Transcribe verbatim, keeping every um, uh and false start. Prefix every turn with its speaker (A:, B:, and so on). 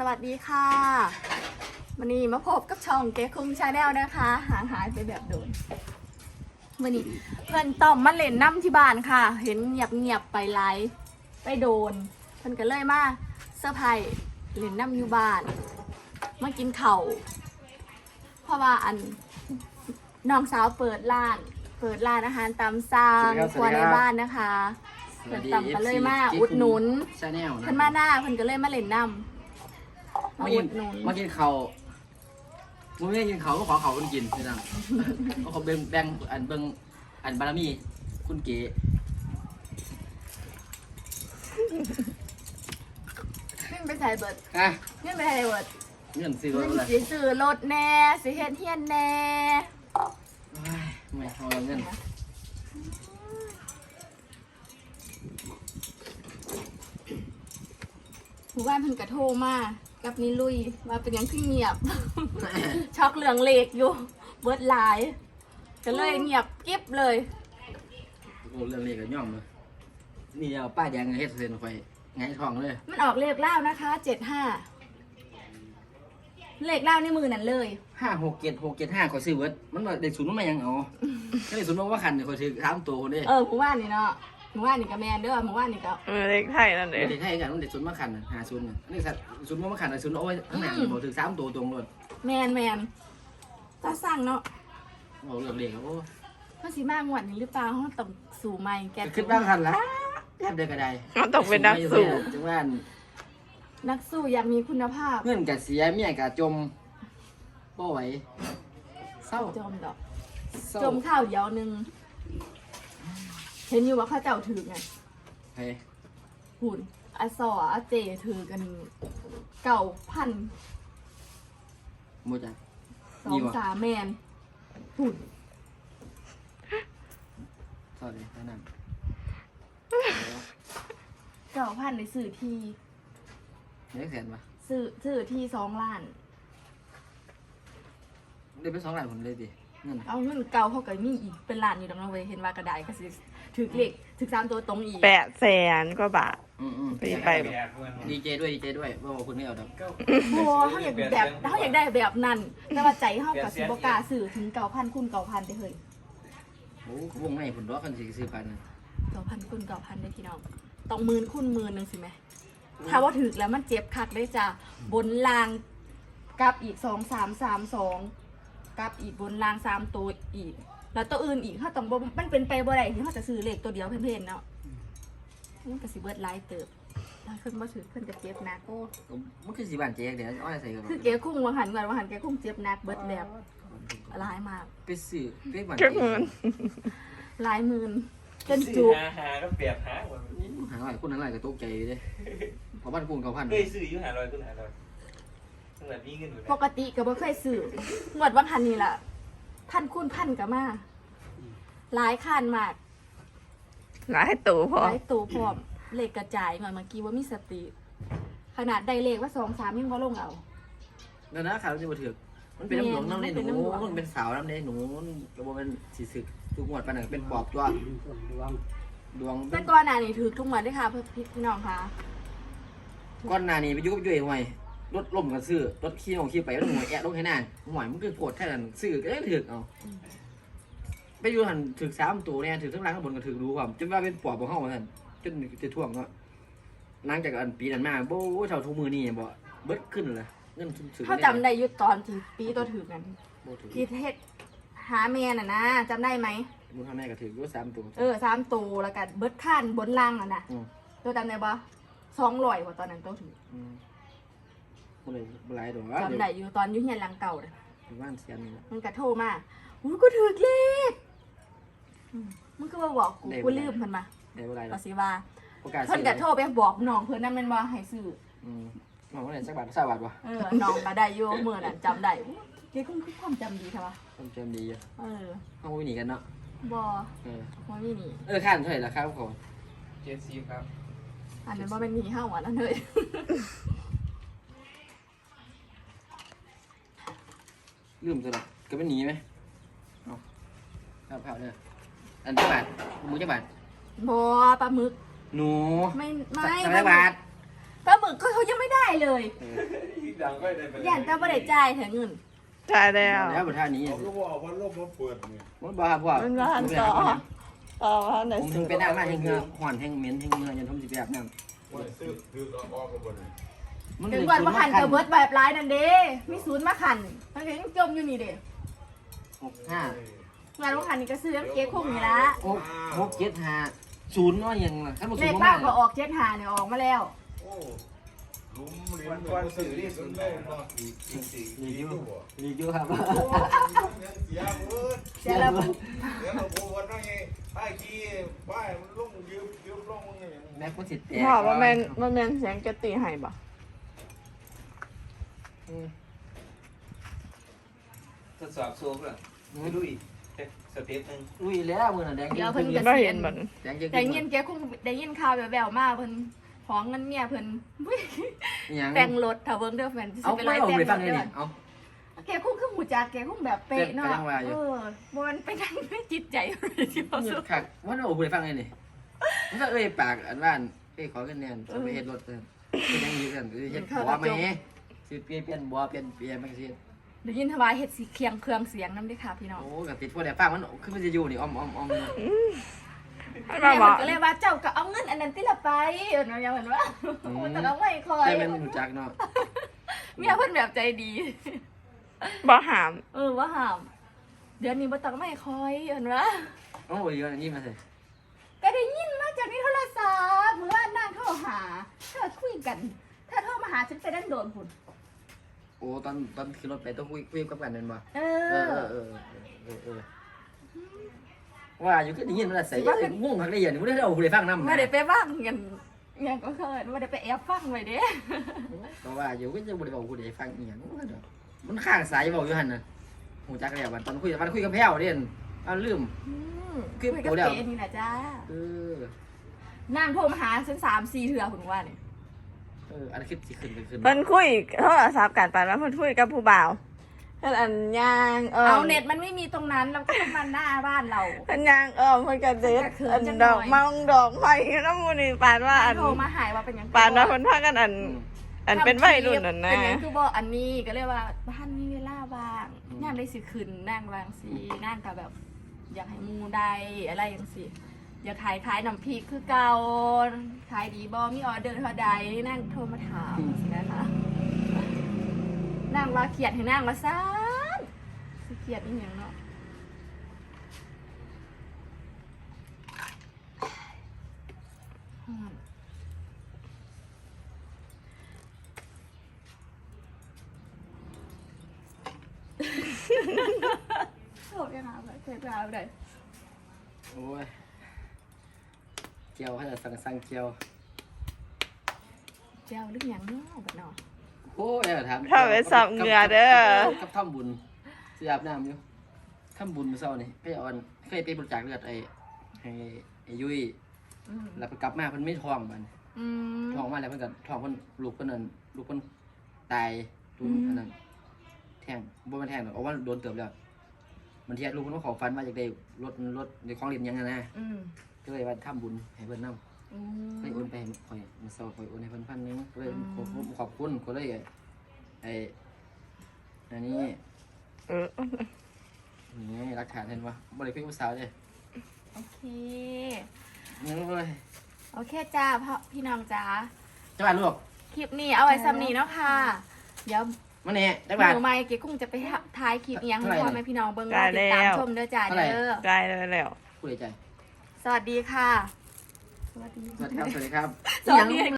A: วัสดีค่ะวันนี้มาพบกับช่องเก๊คุ้งชาแนลนะคะห่างหายไปแบบโดนวันนี้เพื่อนต้อมมาเล่นน้ำที่บ้านค่ะ เห็นเงียบเงียบไปไลฟ์ไปโดนเพื่อนก็เลยมาเซอร์ไพรส์เล่นน้ำอยู่บ้านมากินเข่าวเพราะว่าอันน้องสาวเปิดร้าน เปิดร้านอาหารตามสั่งครัวในบ้านนะคะเพื่อนต้อมก็เลยมาอุดหนุนเพื่อนมาหน้าเพื่อนก็เลยมาเล่นน้ำมาอุดหนุน
B: มากินเขามึงไม่ได้กินเขาก็ขอเขาคนกินพี่น้องเขาเขาแบ่งแบ่งอันเบิ่งอันบารมีคุณเก๋
A: ขึ้นไปใส่เบิร์ด
B: อ่ะ
A: ขึ้นไปใส่เบิร์ด
B: เงินซื้อรถ
A: มัน
B: เลย
A: สิซื้อรถแน่สิเฮ็ดเฮียนแน่
B: ไม่เอาเงิน
A: หมู่บ้านเพิ่นกระโทรมากับนิลุยมาเป็นหยังขึ้นเงียบ ช็อกเหลืองเหล็กอยู่เบิร์ดหลายก็เลยเงียบกิ๊บเลย
B: โอ้เรื่องเล็กก็ย่อมเลยนี่เอาป้ายแดงเฮ็ดเซนไฟไงทองเลย
A: มันออกเลขเล่านะคะเจ็ดห้าเลขเล่าในมือนั่นเลย
B: ห้าหกเจ็ดหกเจ็ดห้าคอยซื้อเวิร์ดมันเด็กศูนย์มันมายังเอาก็เด็กศูนย์มันว่าขันคอยซื้อสามตัวคนนี้
A: เออหมู่บ้านนี่เนาะหมู่บ้านนี่ก็แมนเด้อหมู่บ้านนี่ก็
C: เออเล็กไทยนั่นเอง
B: เด็กให้กันมันเด็กศูนย์มาขันหาศูนย์นี่สัตว์ศูนย์มันมาขันศูนย์เอาไว้ข้างหน้าบอกถึงสามตัวตรงรถ
A: แมนแมนจะสั่งเนาะ
B: โอ้เรื่องเล็กครับโอ้
A: เพื่อสีมากงวดนี้หรือเปล่าเขาต้องสู่ไม่แก
B: ขึ้นบ้างทันละแอบเดินกระได
C: มันต้องเป็นนักสู้
B: จังหวัด
A: นักสู้อยากมีคุณภาพ
B: เงินกะเสียเมียกะจมบ่ไหวเศร้า
A: จมดอก
B: เศร้า
A: จมข้าวเดียวหนึงเห็นอยู่ว่าเข้าเจ้าถือไง
B: เฮ้ย
A: หุ่นอาซออาเจถือกันเก่าพัน
B: โมจัง
A: สอ
B: นี่
A: ง
B: วะ
A: สามแมนหุ่น
B: เศร้าเลยเท่านั้น
A: เก่าพันในสื่อที
B: เล็กแสนปะ
A: สื่อสื่อทีสองล้าน
B: เดี๋ยวไปสองหลายคนเลยดิเงิน
A: เอาเงินเก่าเขาก็มีอีกเป็นล้านอยู่ดังนั้นเว้ยเห็นว่ากระไดก็สิถือเลขถือสามตัวตรงอีก
C: แปดแสนกว่าบาท
B: อืมอืม
C: ไปไป
B: ดีเจด้วยดีเจด้วยว่าคุณไม่เอาดอก
A: โอ้เขาอยากแบบเขาอยากได้แบบนั้นแต่ว่าใจเขากับสิบกล้าสื่อถึงเก่าพันคุณเก่าพันได้เฮ้ย
B: โอ้วงในผลร้อกันสี่สิบพันนะ
A: เก่าพันคุณเก่าพันได้พี่น้องต้องหมื่นคุณหมื่นหนึ่งสิไหมถ้าว่าถึกแล้วมันเจ็บคักได้จ้ะบนรางกับอีกสองสามสามสองกับอีกบนรางสามตัวอีก แล้วตัวอื่นอีกเขาต้องบ่มันเป็นไปบ่ได้ที่เขาจะซื้อเลขตัวเดียวเพ่นๆเนาะมันก็สิเบิดไลายเติบแล้วขึ้นมาถือขึ้นกับเจ็บหนักโอ้
B: มันคือสี่บาทเจ๊เดี๋ยวอ้อยใส่กัน
A: คือเก๋คุ้งวังหันก่อนวังหันแกคุ้งเจ็บหนักเบิดแบบร้ายมาก
B: ไปซื้อไปบาท
C: เก็บเงิน
A: หลายหมื่นจนจุก
D: หาหาก็เปรียบหาหมด
B: หาอะไรคนนั้นอะไรก็ตกใจเลยพอบ้านคุณเขาพัน
D: เคยซื้ออยู่หาลอยคุณหาลอยตั้งแต่นี้เงินอยู่
A: ปกติก็บ่เคยซื้อหมดวังหันนี่แหละพันคูณพันกับมาหลายคันมาก
C: หลายตู่พอ
A: หลายตัวพร้อมเลขกระจายก่อนเมื่อกี้ว่ามีสติ ขนาดได้เลขว่าสองสามยังว่าลงเอา
B: นั่นนะข่าวที่มาถือมันเป็นน้ำหลวงน้ำในหนูมันเป็นสาวน้ำในหนูกระบอกเป็นสีสึกทุกหมวดปันหนึ่งเป็นปอบตัวดวง
A: แต่ก่อนหน้านี้ถือทุกหมดเลยค่ะเพื่อพี่น้องค่ะ
B: ก้อนนานี่ไปยุบยุ่ยห่วยรถล่มกันซื้อรถขี้ของขี้ไปรถหวยแอะลงให้นานห่วยมันคือโกรธแค่นั้นซื้อก็ได้ถือเอาไปอยู่หันถือสามตัวเนี่ยถือทั้งล่างข้างบนก็ถือรู้ความจนว่าเป็นปอบของเขาท่านจนจะท่วงก็หลังจากอันปีนั้นมาโบ้เท่าทุกมือนี่บ่เบิดขึ้นเลยเงินถือ
A: เขาจำได้อยุดตอนที่ปีตัวถือกัน
B: บ่ถือ
A: ที่เทศหาเมียน่ะนะจำได้ไหม
B: มูทำแม่ก็ถือว่าสามตัว
A: เออสามตัวแล้วกันเบิดขั้นบนล่างอ่ะนะ
B: อืม
A: ตัวจำได้ปะสองร้อยกว่าตอนนั้นตัวถือ
B: อืมก็เลยบลายดอก
A: จำได้อยู่ตอนอยุ่เฮียนหลังเก่าเลย
B: บ้านเสียนนี่
A: มันกระโทรมาอุ้ยกูถือเลขอืมมันก็มาบอกกูกูลืมเพิ่นมา
B: ได้บลายดอ
A: ก็
B: ก
A: สิว่า
B: ประกาศ
A: เพิ่นกระโทรไปบอกน้องเพิ่นนั่นแมันว่าให้ซื้อ
B: อืมมองว่าไหนสักบาทสักบาทวะ
A: เออน้องก็ได้อยู่เมื่อนั้นจำได้อุ๊ยเด็กคงคือความจำดีใช่ปะ
B: ความจำดีอะ
A: เออ
B: ห้องวิ่งหนีกันเนาะ
A: บอ
B: เออ
A: ว่ามีนี่
B: เออข้านเท่าไหร่ละครับผม
D: เจ็ดสิบครับ
A: อันนั้นว่าเป็นหนีห้าวันแล้วเลย
B: ลืมตัวละก็ไม่หนีไหมเอาข้าวเผาเนี่ยอันจักบาทหมูจักบาท
A: บอปลาหมึก
B: หนู
A: ไม่ไม่
B: สักจักบาท
A: ปปลาหมึกก็เขายังไม่ได้เลย
D: อีกดังก็ได้ไป
A: ย่านแต่บ่ได้จ่ายแถงเงิน
C: จ่ายแล้ว
B: แล้วบนท่านี้
E: เขาก็บอกว่าลมมาเปิดนี่
B: มันบ้าพวก
C: มันว่าหันต่อต่อว่าไหน
B: ผม
C: ซื้
B: ถึ
C: อง
B: เป็นน้ำมาแห้งเหงือห่อนแห้งเหม็นแห้งเหงือยันทมสิบแบบน้ำ
E: ว่าซื้อซื้อก็ออกกับบนนี่
B: มัน
A: ถึงวันมาขันกับเบิร์ดแบบร้ายนั่นเด้มีศูนย์มาขันมันก็ยังจมอยู่นี่เด้
B: หกห้าง
A: านมาขันนี่ก็ซื้อน้ำเก๊กคงนี่ละ
B: หกหกเจ็ดห้าศูนย์น้อยยังล่ะถ้ามัน
A: เล
B: ศูน
A: ข
B: ย์
A: บ้าม
B: าก
A: ก็ออกเจ็ดหาเนี่ยออกมาแล้ว
E: โอ้ลุมเลี้ยงก้อนสื่อที่สุดเลยเนาะ
D: อีกอีกสี่
B: รีวิวรีวิวครับ
E: โอ้เสียเบิด
A: เสียแล้ว
E: เดี๋ยวเราพูดว่าน้องไงป้ายขี้ป้ายมันลงยืมยืมลงมึงอย่าง
B: แม็กก็สิแตก
C: พ่อว่าแมนว่าแมนเสียงจะตีให้บ่
D: ทดสอบโซ่ก่อนไม่รู้อีกสเต็ปหนึ่ง
B: อุ้ยแล้วมือน่ะแดง
A: เดี๋ยวเพิ่นก็
C: บ่
A: เสี
C: เห็
A: ย
C: น
A: น
C: บ่
B: แดงเยอะ
A: ได้ยินแกคงได้ยินข่าวแววๆมาเพิ่นของเงินเมียเพิ่น
B: ยัง
A: แต่งรถถ้าเบิ่งเด้อแฟนสิ
B: เอา
A: ไป
B: ไป
A: ไล่
B: เอา
A: แต่ง
B: ไป
A: ร
B: ฟัง
A: ถ
B: เลย
A: เด้
B: นี่
A: อ
B: เอา
A: แกคงคือหูจักแกคงแบบเป๊ะเนาะ
B: แต่กำลังว่าอยู่
A: เออบ่มันไปนั่งด้วยจิตใจเลยที่บ่
B: เงิ
A: สุ
B: นขักว่าเอาไปฟังเลยนี่มันก็เอ้ยปากอันว่านเอ้ยขอกันแน่นจะไปเฮ็ดรถกันเป็นยังอยู่กันเฮ็ดบัวไหมสิเปลี่ยนเปลี่ยนบัวเปลี่ยนเปลี่ยนมันสิ
A: ได้ยินทวายเฮ็ดสีเคียงเครื่องเสียงนำด้วยค่ะพี่น้อง
B: โอ้กับติดพวกเดี๋ยวฟังมันคือมันจะอยู่นี่อ้อมอ้อมอ้อม
C: มัน
A: แม่
C: มา
A: เพิ่
C: บ่
A: นก็เลยว่าเจ้าก็เอาเงินอันนั้นติละไปเออเนาะยังเหมือนว่าโอ้แต่เราไม่คอย
B: แต่มันรู้จักเนาะ
A: เมียเพิ่นแบบใจดี
C: บ่หาม
A: เออว่าห้าม เดือนนี้บ่ต้องไม่คอยเอิ้นว่า
B: โอ้ยเยอะนี่มาสิ
A: ก็ได้ยินมาจากในโทรศัพท์เมื่อวานนางโทรหาเธอคุยกัน ถ้าโทรมาหาฉันไปด้านโดนพุ่น
B: โอ้ตอนตอนขี่รถไปต้องคุยคุยกับกันนั่นบ่
A: เอ
B: เอ
A: อ
B: อเออเออเออว่าอยู่ก็ได้ยินมันใส่ว่าง่วงพักได้ยินไม่ได้เอาไปฟังน้ำ
A: ไม่ได้ไปบ้างกันยังก็เคยไม่ได้ไปแอบฟังไว้เด้
B: ก็ว่าอยู่ก็จะบริบอกกูได้ฟังอีหยังมันข้างสายบอกอยู่หันน่ะหูจักแล้ววันตอนคุยวันคุยกับแพ้วเด่นเอาลืม
A: อืม
B: คือ
A: คุยกับ
B: ตัวเดียว
A: เจนี่นะจ้า
B: เออ
A: นางโทรมาหาฉันสามสี่เถื่อคุณว่าเนี่ย
B: เอออันคลิปสิขึ้นไปขึ้น
C: เพิ่นคุยโทรศัพท์กันปานว่าเพิ่นคุยกับผู้บ่าวเพิ่นอันย่างเออ
A: เอาเน็ตมันไม่มีตรงนั้นเราก็ต้องมาหน้าบ้านเรา
C: เพิ่นย่างเออเพิ่นก็เด็ด
A: เขิน
C: อัน
A: จังหน่
C: ด
A: อย
C: อกมังดอกไม้น้ำมูนี่ปานว่าอัน
A: โทรมาหายว่าเป็นหยัง
C: ปานว่าเพิ่นพากันอัน อันเป็นวัยรุ่นนั่นนะ
A: เป็นหยังคือบอกอันนี้ก็เรียกว่าบ้านมีเวลาว่างย่างได้สิขึ้นนั่งวางสีนั่งกับแบบ อยากให้หมูได้อะไรอย่างสิอยากขายขายน้ำพริกคือเก่าขายดีบอมีออเดอร์เท่าใดนั่งโทรมาถามสินะคะนั่งว่าเขียดให้นั่งมาซ่านสิเขียดอีหยังเนาะฮ้อนโทษยังไงไปเทปลาไปไหน
B: โอ้ยเจียวให้แต่สั่งสั่งเจียว
A: เจ้าลึกยังเนาะบัดเนาะ
B: โอ้ยถาม
C: ถ้าไปสับเหงื่อเด้อ
B: กับทำบุญสิอาบน้ำอยู่ทำบุญเมื่อเช้านี่พี่ออนเคยไปบริจาคเลือดไอ้ให้ไอ้ยุ้ย
A: อืม
B: แล้วไปกลับมาเพิ่นไม่ท้องมัน
A: อืม
B: ท้องมาแล้วเพิ่นก็ท้องเพิ่นลูกเพิ่นนั่นลูกเพิ่นตายลูก
A: อืม
B: อันนั้นแทงบ่แม่นแทงหรอกเอาว่าโดนเติบแล้วมันเทียลูกเพิ่นว่าขอฟันมาจากได้รถรถในของเล่นหยังอะนะ
A: อืม
B: ก็เลยว่าทำบุญให้เพิ่นนำ
A: อื
B: ก็เลยโอ
A: ม
B: นไปให้ข่อยมาเซาข่อยโอนให้เพิ่นพันหนึงก็เลย
A: อืม
B: ขอบคุณขอบคุณก็เลยไอ้อันนี้
C: เออ
B: นี่หลักฐานเห็นบ่บ่ได้คุยกับสาวเด้
A: โอเค
B: นี่เว้ย
A: โอเคจ้าพ่อพี่น้องจ้า
B: จังหวัดลูก
A: คลิปนี้เอาไว้ซ้ำนี้เนาะค่ะ เดี๋ยว
B: มานี่จังหวัด
A: หนูไม่เก๋กุ้งจะไปท้ายคลิปอิหยังให้
B: เท่าไหร่
A: พ่อแม่พี่น้องเบิ่ง
C: ได้
A: รอติดตาม
C: แล้ว
A: ชมเด้อจ้า
B: เท่าไหร่
A: เด้อ
C: ได้เลยแล้ว
B: ผู้ใดใจ
A: สวัสดีค่ะ สวัสดี
B: สวัสดีครับ สวัสดีครับ
A: สวัสดี